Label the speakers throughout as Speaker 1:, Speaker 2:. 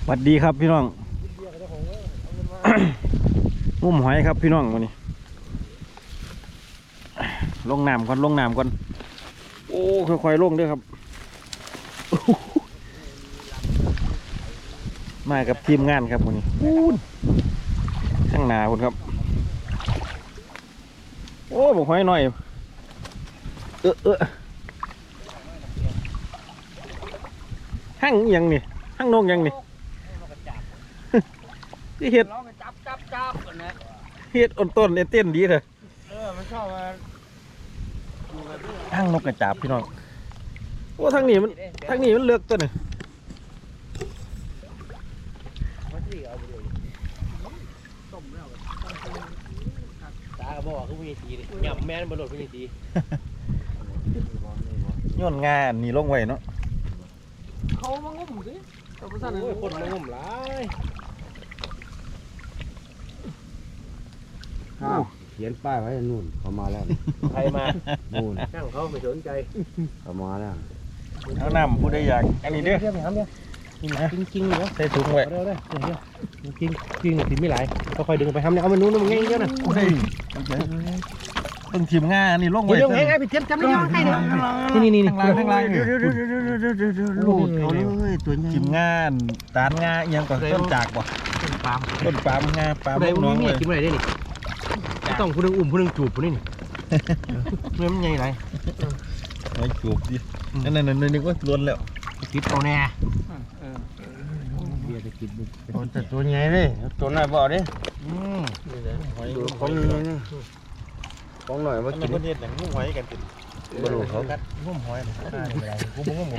Speaker 1: สวัสดีครับพี่น้อง งุ่มหอยครับพี่น้องวันนี้ลงน้ำก่อนลงน้ำก่อนโอ้ค่อยๆลงด้วยครับมากับทีมงานครับวันนี้ข้างหน้าคุณครับโอ้บอกหอยหน่อยหั่งยังนี่หั่งนกยังนี่ที่เห็ดเห็ดอ่อนต้นเต้นดีเลย
Speaker 2: มันชอบมา
Speaker 1: หั่งนกกระจาบพี่น้องโอ้ทางนี้มันเลือกตัวนี่
Speaker 2: ตากระบอกเขามีสีเลยยำแม่นบนรถมีสี
Speaker 1: ย้อนงานนี่ลงไว้เนาะ
Speaker 2: เขามางุ่มสิโอ้ยคนมางุ่มหลาย
Speaker 3: เขียนป้ายไว้นู่นเขามาแล้ว
Speaker 2: ใครมา
Speaker 3: นู่น
Speaker 2: ช่างเขาไม่สนใจ
Speaker 3: เขามาแล้ว
Speaker 1: เอาน้ำผู้ใดอยากอันนี้เด้อ
Speaker 2: จริงเหรอ
Speaker 1: ใส่ถุงไว้
Speaker 2: เด้อจริงถิ่นไม่หลายก็ค่อยดึงไปทำเนี่ยเอามานู้นมันง่ายเยอะนะ
Speaker 1: ต้องทีมงานนี่ลงไว้
Speaker 2: เดี๋ยวไงพี่เทียนจำได้ยังไงนี่
Speaker 1: ทางล่าง
Speaker 3: ลูกเขาเลยตัวใหญ่
Speaker 1: ทีมงานตานงายังก่อนต้นจากบ่ต้นปาล์มงาปาล์มน้องเลย
Speaker 2: กินอะไรได้นี่ต้องผู้นึงอุ้มผู้นึงจูบผู้นี่เมื่อมันใหญ่ไร
Speaker 1: ไม่จูบดินั่นนึกว่าล้วนแล้ว
Speaker 2: คิดเอาแน่
Speaker 3: เบียร์จะกินบุกแต่ตัวใหญ่เลยตัวน้อยบ่ดิของหน่อยมากิน
Speaker 1: คนเดียวแต่งุ้มหอยกันติด
Speaker 3: บลูเขา
Speaker 1: งุ้มหอยกูงุ้ม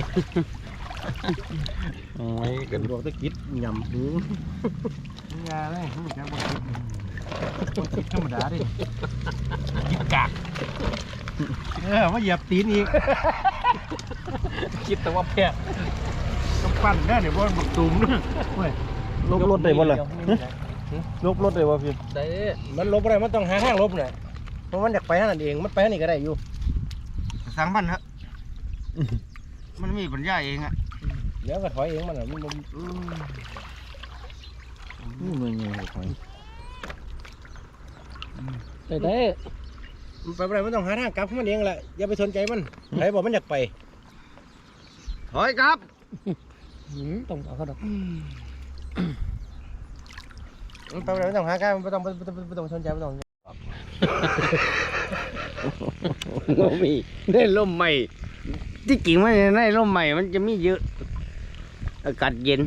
Speaker 1: หอยกัน
Speaker 2: บอกตะกิดยำหู
Speaker 1: งาเลยไม่ใช่บนคิดธรรมดาดิ
Speaker 2: กิดกาก
Speaker 1: มาเหยียบตีนอีก
Speaker 2: คิดแต่ว่าแพ้
Speaker 1: ต้องปั้นได้เนี่ยเพราะมันตุ่มด้วยลบรถได้บ่ล่ะลบรถได้บ่พี่
Speaker 2: ได้มันลบอะไรมันต้องหาทางลบหน่อยเพราะมันอยากไปนั่นเองมันไปนี่ก็ได้อยู่
Speaker 3: สั่งมันฮะมันมีปัญญาเองอ่ะ
Speaker 2: เดี๋ยวก็ถอยเองมันมัน
Speaker 1: นี่ไงถอย
Speaker 2: ได้ไปอะไรมันต้องหาทางกลับมันเองแหละอย่าไปสนใจมันใครบอกมันอยากไป
Speaker 3: ถอยครับ
Speaker 2: ต้องเอาเขาดอกมันไปอะไรไม่ต้องหาการไม่ต้องสนใจไม่ต้อง
Speaker 3: มีได้ร่มใหม่ที่จริงไม่ได้ร่มใหม่มันจะมีเยอะอากาศเย็น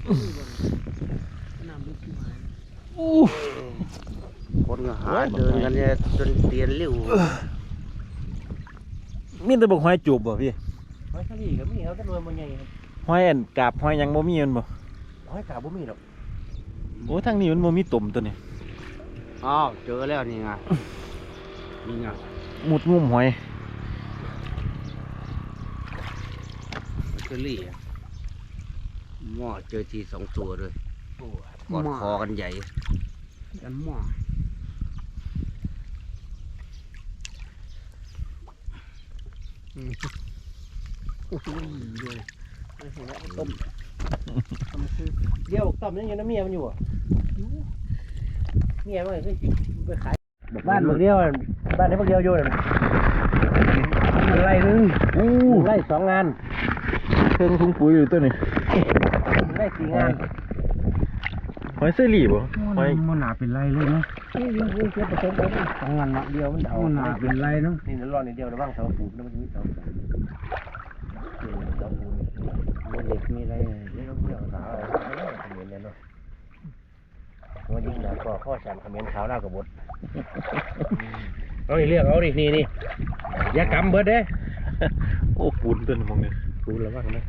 Speaker 3: คนหาเดินกันเนี่ยจนเตียนเลี้ยว
Speaker 1: มีแต่บอกหอยจูบบ่พี่
Speaker 2: หอยทะเลก็มีเขาจะรวยมันใหญ่ครับ
Speaker 1: หอยอันกาบหอยยังบ่มีมันบ่
Speaker 2: หอยกาบบ่มีหรอก
Speaker 1: โอ้ทางนี้มันบ่มีตุ่มตัวนี้
Speaker 3: อ้าวเจอแล้วนี่ไงนี่ไง
Speaker 1: มุดงุ่มหอย
Speaker 3: เชอรี่หม้อเจอที2 ตัวเลยกอดคอกันใหญ่กันหม้อ
Speaker 2: ต้มเดี๋ยวต้มยังน้ำเมียมันอยู่อ่ะเมียมันไปขายบ้านเมืองเดียวบ้านนี้เมืองเดียวอยู่เลยไร่นึงไร่2 งาน
Speaker 1: เครื่องถุงปุ๋ยอยู่ตัวนี้
Speaker 2: ไร่4 งาน
Speaker 1: หอยเซรี่บ่หอย
Speaker 3: มันหนาเป็นไรเลยเนาะ
Speaker 2: นี่เทียบผสมกัน2 งานเดียวมันเอา
Speaker 3: หนาเป็นไรเนาะ
Speaker 2: นี่รอนิดเดียวระวังเสาปูนแล้วมันจะมีเสาปูนเด็กมีอะไรเรื่องเกี่ยวกับสาวเหมือนกันเนาะว่ายิ่งหนักกว่าข้อฉันคอมเมนต์ขาวหน้ากระบดเอาดิเรียกเอาดินี่อย่ากำเบิดเด้
Speaker 1: โอ้ปูนตัวนี้มองเนี่ย
Speaker 2: ปูนระวังนะ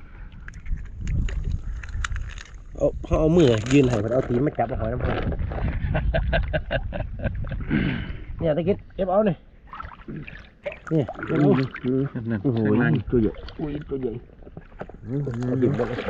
Speaker 2: เอามือยืนให้มันเอาตีนมาจับหอยน้ำผึ้งเนี่ยตะกี้เก็บเอาเนี่ยนี่
Speaker 1: นั่นโอ้โหตัวใหญ่
Speaker 2: ตัวใหญ่ดิ่มหมดเลย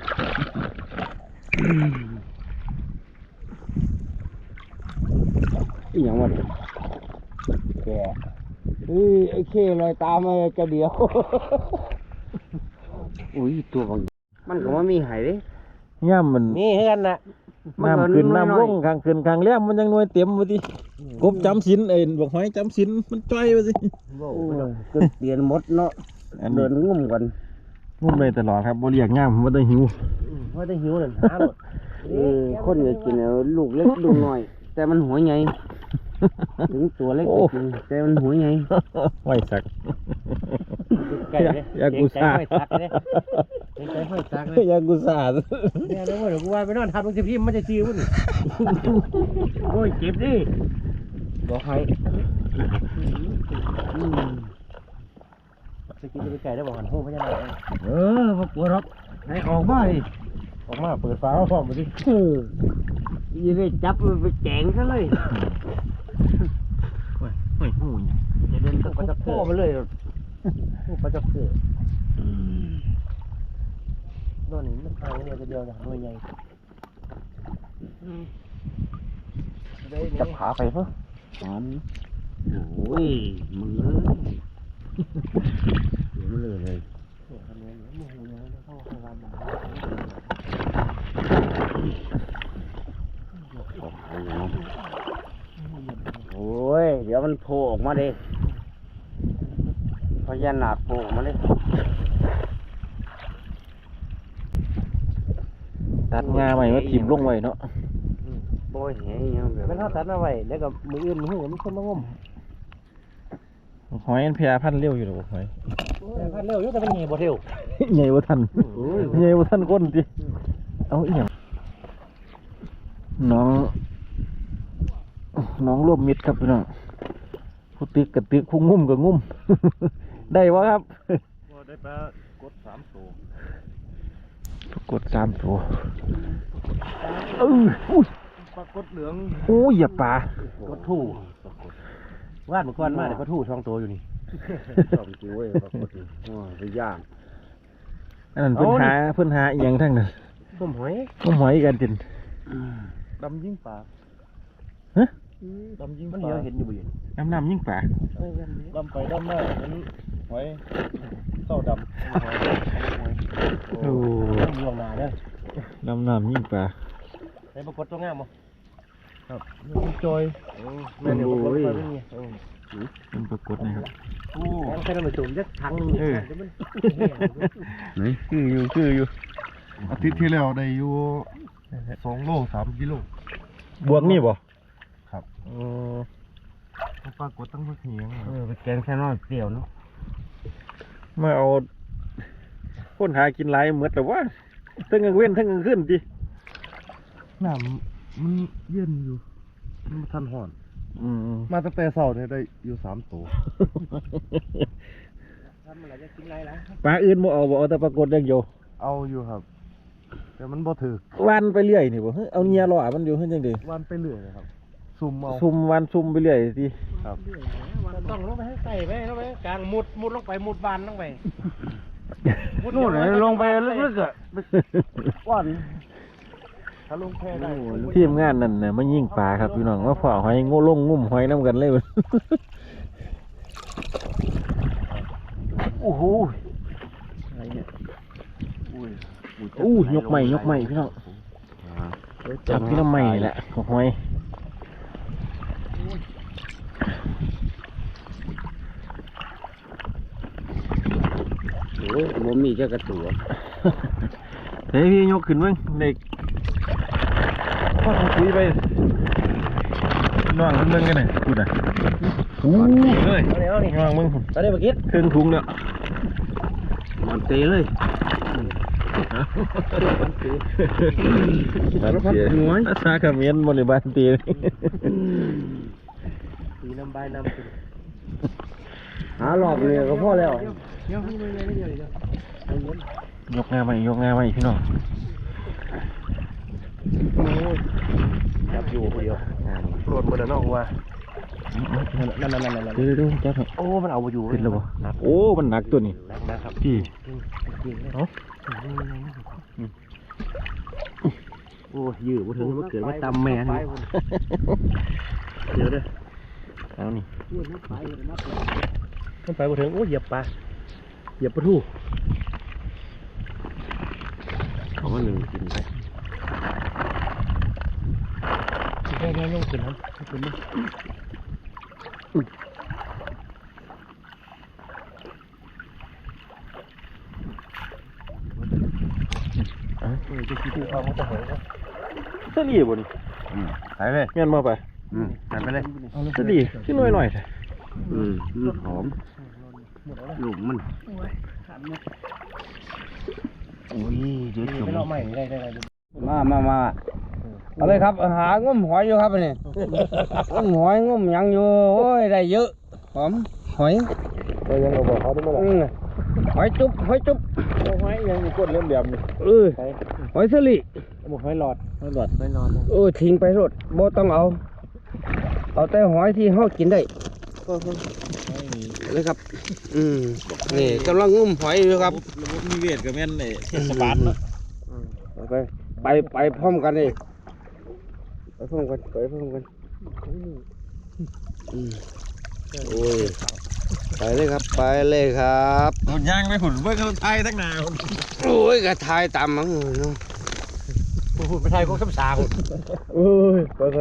Speaker 3: อีหยังวะแกไอ้เคลอยตามมาจะเดียวอุ้ยตัวบางมันก็ไม่มีหายเลย
Speaker 1: ย่ำมัน
Speaker 2: นี่ให้กันนะ
Speaker 1: น้ำขึ้นน้ำลงข้างขึ้นข้างแล้มมันยังหน่วยเต็มมาดิกบจำศีลบอกหอยจำศีลมันจ้อยมาสิ
Speaker 3: ก็เปลี่ยนหมดเนาะ
Speaker 1: อัน
Speaker 3: เดิ
Speaker 1: นี้
Speaker 3: นงุ่มกัน
Speaker 1: งุ่มเลยตลอดครับบ่เรียกย่ำมันได้หิว
Speaker 2: ว่าได้หิวเลยหาหมด
Speaker 3: คนจะกินเอาลูกเล็กลูกน้อย แต่มันหัวใหญ่ถึงตัวเล็กก็จริงแต่มันหัวใหญ่
Speaker 1: ไว้สัก
Speaker 2: ไก่เลย
Speaker 1: ยากุซ่า
Speaker 2: ไก่ตักเลยไก่ห้อยตักเลย
Speaker 1: ยากุซ่า
Speaker 2: เนี่ยเดี๋ยวกูว่าไปนอนทำลงสิพี่มันจะซีมันโอ้ยเจ็บดิบอกให้จะกินจะไปไก่ได้บอกหันหูพญานาคมาปวดรถให้ออกมาดิ
Speaker 1: ออกมาเปิดฟ้าพร้อมมาดิ
Speaker 3: ยังได้จับมันไปแกงซะเลย
Speaker 1: เฮ้ยหูย
Speaker 2: จะเดินก็จะโค้มาเลยก็จะเกิดนอนนี่มันทางเนี่ยจะเดียวนะหน่วยใหญ่
Speaker 1: จับขาไปเพิ่ม
Speaker 3: โอ้ยมึงเอ้ยเดี๋ยวมันเลย โอ้ย เดี๋ยวมันโผล่ออกมาดิพญานาคโผล่ออกมาดิ
Speaker 1: ตัดงาใหม่มาถิ่มลงไว้เนาะ
Speaker 3: โบยแหยังแบบ
Speaker 2: มันเท่าตัดมาไว้แล้วก็มืออื่นมือหูมันคนมางม
Speaker 1: หอยมันแพร่พันธุ์เร็วอยู่หรอหอย
Speaker 2: พันเร็วอยู่แต่มันใหญ่บ่เร็ว
Speaker 1: ใหญ่กว่าทันใหญ่กว่าทันก้นดิเอาอีหยังน้องรวมมิตรครับพี่น้องผู้ตึกกับตึกผู้งุ่มกับงุ่ม ได้วะครับ
Speaker 2: ได้ปลากด3ตัว
Speaker 1: กด3 ตัวอุ้ย
Speaker 2: ปลากดเหลือง
Speaker 1: โอ้ยอย่าปลาก
Speaker 2: ดทู่วาดเมื่อก่อนมาเดี๋ยวกดทู่2ตัวอยู่นี่
Speaker 3: สองตัวเว้ยปรากฏอ๋อไปย่าง
Speaker 1: อันนั้นเพิ่นหาอีหยังทั้งนั้น
Speaker 2: ต้มหอย
Speaker 1: ต้มหอยกันจิน
Speaker 2: ดำยิ่งปลา
Speaker 1: ฮะ
Speaker 2: ดำยิ่งปลามันเห็นอยู่บ่เห็น
Speaker 1: น้ำยิ่งปลา
Speaker 2: ดำไปดำมาเห็นหอยเต้าดำหอย
Speaker 1: โอ้
Speaker 2: เมืองนาเด้อ
Speaker 1: น้ำยิ่งปลา
Speaker 2: ได้ปรากฏตัวงามบ่ครับมันจอยแม่นเดี๋ยวปรากฏไปเป็นไง
Speaker 1: เป็นปรากฏนะครับ
Speaker 2: โอ้แค่นั้นมันจุ่มจักถังนึงเดี๋ยวมัน
Speaker 1: คืออยู่
Speaker 4: อาทิตย์ที่แล้วได้อยู่2 โล 3 กิโล
Speaker 1: บวกนี่บ่
Speaker 4: ครับ ปรากฏตั้งพักเหียง
Speaker 3: ไปแกงแค่น้อยเปรี้ยวเนาะ
Speaker 1: มาเอาคนหากินหลายเหมือนแต่ว่าทั้งกลางเว้นทั้งกลางคืนดิ
Speaker 4: น้ำมันเย็นอยู่มันบ่ทันห่อน
Speaker 1: อืม
Speaker 4: มาตั้งแต่เช้าเนี่ยได้อยู่3 ตัว
Speaker 2: ทำอะไรจะกินไรล่ะ
Speaker 1: ปลาอื่นบ่เอาแต่ปรากฏอย่างเดียว
Speaker 4: เอาอยู่ครับ แต่มันบ่ถึก
Speaker 1: วันไปเรื่อยนี่บ่เฮ้ยเอาเงียล่อมันอยู่เฮ็ดจังได๋
Speaker 4: วันไปเรื่อยเลยครับ ซุ่มเอา
Speaker 1: ซุ่มวันซุ่มไปเรื่อยสิ
Speaker 4: ครับ
Speaker 2: ต้องลงไปให้ใส่ไปลงไปกลางมุดลงไปมุดบานลงไป
Speaker 3: นู่นเลยลงไปลึกๆอ่ะก้อน
Speaker 4: ถ้าลงแพได้
Speaker 1: ทีมงานนั่นน่ะมายิงปลาครับพี่น้องมาฝ่าหอยงงุ่มหอยนํกันเลย โอ้โหอู้ยกใหม่พี่น้องจับพี่น้ำใหม่แหละหอย
Speaker 3: โอ้ยบ่มีจักกระตัว
Speaker 1: เฮ้ยพี่ยกขึ้นมั้งเด็กพ่อทำคุยไปน้องมึงกันหน่อยพูดอ่ะอู้เลย
Speaker 2: เอานี่
Speaker 1: น้องมึง
Speaker 2: ตอนนี้เมื่อกี้
Speaker 1: เครื่องถุงเนี่ย
Speaker 3: มันเตะเลย
Speaker 1: บ้านเตียภาษาเขมรบริบาลเตีย
Speaker 2: สีน้ำใบน้ำขึ้น
Speaker 3: หาหลอกเลยก็พอแล้ว
Speaker 2: เดี๋ยวให้มือเลยเดี๋ยวเดี๋ยวย
Speaker 1: กงาใหม่พี่น้อง
Speaker 2: จับอยู่คนเดียวโปรดมือน้องว่านั่น
Speaker 1: เดี๋ยวจับให้
Speaker 2: โอ้มันเอาไปอยู่
Speaker 1: ขึ้นแล้วบ่โอ้มันหนักตัวนี้
Speaker 2: นะครับ
Speaker 1: พี่
Speaker 2: โอ้ยืดมาถึงมันเกิดมาตำแม่นี่เดี๋ยวเด้อ
Speaker 1: เอานี่
Speaker 2: มันไปมาถึงโอ้เหยียบปลาเหยียบปลาทู
Speaker 3: เขาว่าหนึ่งกินไป
Speaker 2: ไม่ยกขึ้นครับขึ้นมั้ย
Speaker 4: จะคิดเอามันจะเหย
Speaker 1: เสลีบ่นี่
Speaker 3: ใส่เลย
Speaker 1: แม่นมาไป
Speaker 3: ใส่ไปเลย
Speaker 1: เสลีขึ้นหน่อยๆแท้
Speaker 3: มันหอมลูกมันโอ้ยเดี๋ยวจุ่ม
Speaker 2: ไปเลาะใหม่ได้
Speaker 3: มาเอาเลยครับหางมหอยอยู่ครับอันนี้งมหอยงมหยังอยู่โอ้ยได้เยอะหอมหอย
Speaker 1: ก็ยังเอาบอกเขาได้บ่ล่ะ
Speaker 3: หอยจุ๊บหอยจุ๊บ
Speaker 1: เอาไว้ยังมีกดเล่มแบบนี้
Speaker 3: หอยสลิ
Speaker 1: บ่ให้หลอดให้หลอด
Speaker 2: ไม่นอน
Speaker 3: ทิ้งไปรถบ่ต้องเอาแต่หอยที่เฮากินได้เลยครับนี่กำลังงมหอยอยู่ครับ
Speaker 1: ระบบนิเวศก็แม่นไอ้เทศบาลเนาะ
Speaker 3: ไปพร้อมกันเลยไปพร้อมกันโอ้ยไปเลยครับ
Speaker 1: เอาย่างไปหุ่นเบิ่งเขาไทยทั้งหน้า
Speaker 3: โอ้ยกระทายตามมั้งเนาะ
Speaker 2: พูดไปไทยก็คำสา
Speaker 3: โอ้ยไป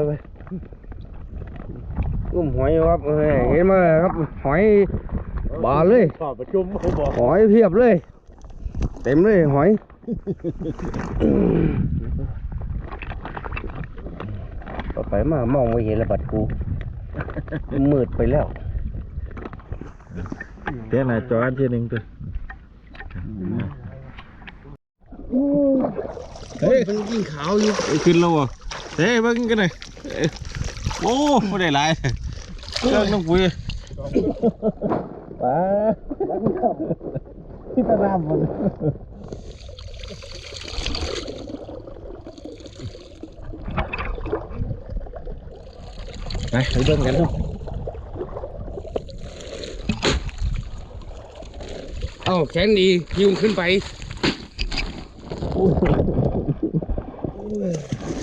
Speaker 3: งมหอยครับเห็นไหมครับหอยบานเลย
Speaker 1: สอบประชุมเขาบอก
Speaker 3: หอยเพียบเลย เต็มเลยหอยต่อไปมามองไม่เห็นระบัดกูมืดไปแล้ว
Speaker 1: เดี๋ยวน่ะจออันที่หนึงตัว
Speaker 3: เฮ้ยมันยิ่งขาวอยู่
Speaker 1: ขึ้นแล้วบ่เฮ้ยเบิ่งกันหน่อยโอ้บ่ได้หลายเครื่องน้ำปุ๋ย
Speaker 3: ที่ตะนามมัน
Speaker 1: ไปเบิ่งกันเนาะ
Speaker 3: เอ้าแขนดียิงขึ้นไป